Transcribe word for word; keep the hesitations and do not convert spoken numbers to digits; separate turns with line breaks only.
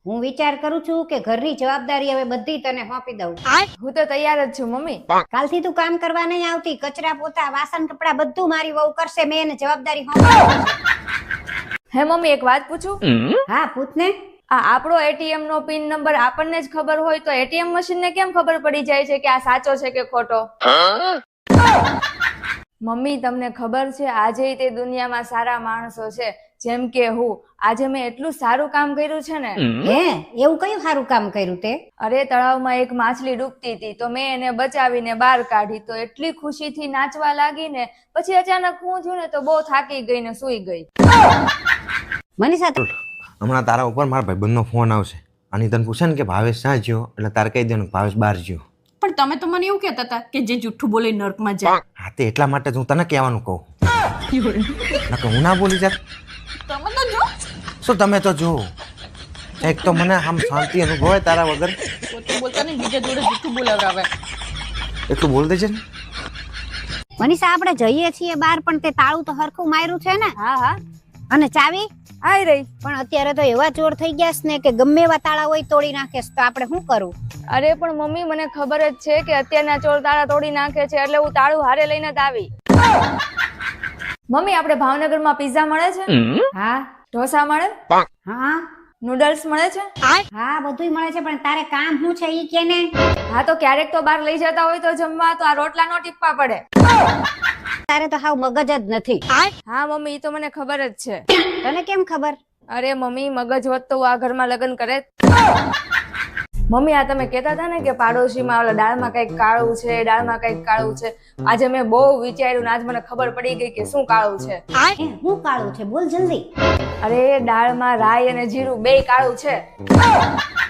હું વિચાર કરું છું કે ઘરની જવાબદારી હવે બધી તને સોંપી દઉં.
હું તો તૈયાર જ છું મમ્મી.
કાલથી તું કામ કરવા નહીં આવતી. કચરા પોતા વાસણ કપડા બધું મારી વહુ કરશે. મેં એને જવાબદારી સોંપી.
હે મમ્મી એક વાત પૂછું?
હા પૂછ ને.
આ આપણો એટીએમ નો પિન નંબર આપણને જ ખબર હોય તો એટીએમ મશીન ને કેમ ખબર પડી જાય છે કે આ સાચો છે કે ખોટો? મમ્મી તમને ખબર છે આજે તે દુનિયામાં સારા માણસો છે જેમ કે હું. આજે મેં એટલું સારું કામ કર્યું છે ને.
હે એવું કયું સારું કામ કર્યું તે?
અરે તળાવમાં એક માછલી ડૂબતી હતી તો મેં એને બચાવીને બહાર કાઢી તો એટલી ખુશીથી નાચવા લાગી ને પછી અચાનક હું થયું ને તો બહુ થાકી ગઈ ને સૂઈ ગઈ.
મનીષા
હમણાં તારા ઉપર મારા ભાઈબંધનો ફોન આવશે અને તને પૂછે ને કે ભાવેશ ક્યાં જ્યો એટલે તારે કહી દેવાનું ભાવેશ બહાર જ્યો.
પણ તમે તો મને એવું કહેતા હતા કે જે જુઠ્ઠું બોલે નર્કમાં જાય.
હા તે એટલા માટે જ હું તને કહેવાનું કહું. નકર હું ના બોલી જાત.
તમે તો જો
શું તમે તો જો એક તો મને આમ શાંતિ અનુભવાય તારા વગર.
પોતે બોલતા ને બીજા જોડે જુઠ્ઠું બોલાવરાવે.
એટલું બોલ દેજે ને.
મનીષા આપણે જઈએ છીએ બહાર પણ તે તાળું તો હરખું માર્યું છે ને?
હા હા
અને ચાવી
આઈ રહી.
પણ અત્યારે તો એવા ચોર થઈ ગયા છે ને કે ગમે એવા તાળા હોય તોડી નાખે છે. તો આપણે શું કરવું?
અરે પણ મમ્મી મને ખબર જ છે કે અત્યારના ચોર તાળા તોડી નાખે છે એટલે હું તાળું હારે લઈને જ આવી. મમ્મી આપણે ભાવનગરમાં પિઝા મળે છે?
હા
ઢોસા મળે?
હા
નૂડલ્સ મળે છે?
હા બધુંય મળે છે પણ તારે કામ શું છે ઈ કે ને?
હા તો ક્યારેક તો બહાર લઈ જતા હોય તો જમવા તો આ રોટલા નો ટીપવા પડે.
તારે તો હાવ મગજ જ નથી.
હા મમ્મી ઈ તો મને ખબર જ છે.
તને કેમ ખબર?
અરે મમ્મી મગજ હોત તો હું આ ઘરમાં લગ્ન કરે. મમ્મી આ તમે કહેતા હતા ને કે પાડોશીમાં ઓલા દાળમાં કઈક કાળું છે દાળમાં કઈક કાળું છે. આજે મેં બહુ વિચાર્યું ને આજ મને ખબર પડી ગઈ કે શું કાળું છે.
એ હું કાળું છે બોલ જલ્દી.
અરે દાળમાં રાઈ અને જીરું બેય કાળું છે.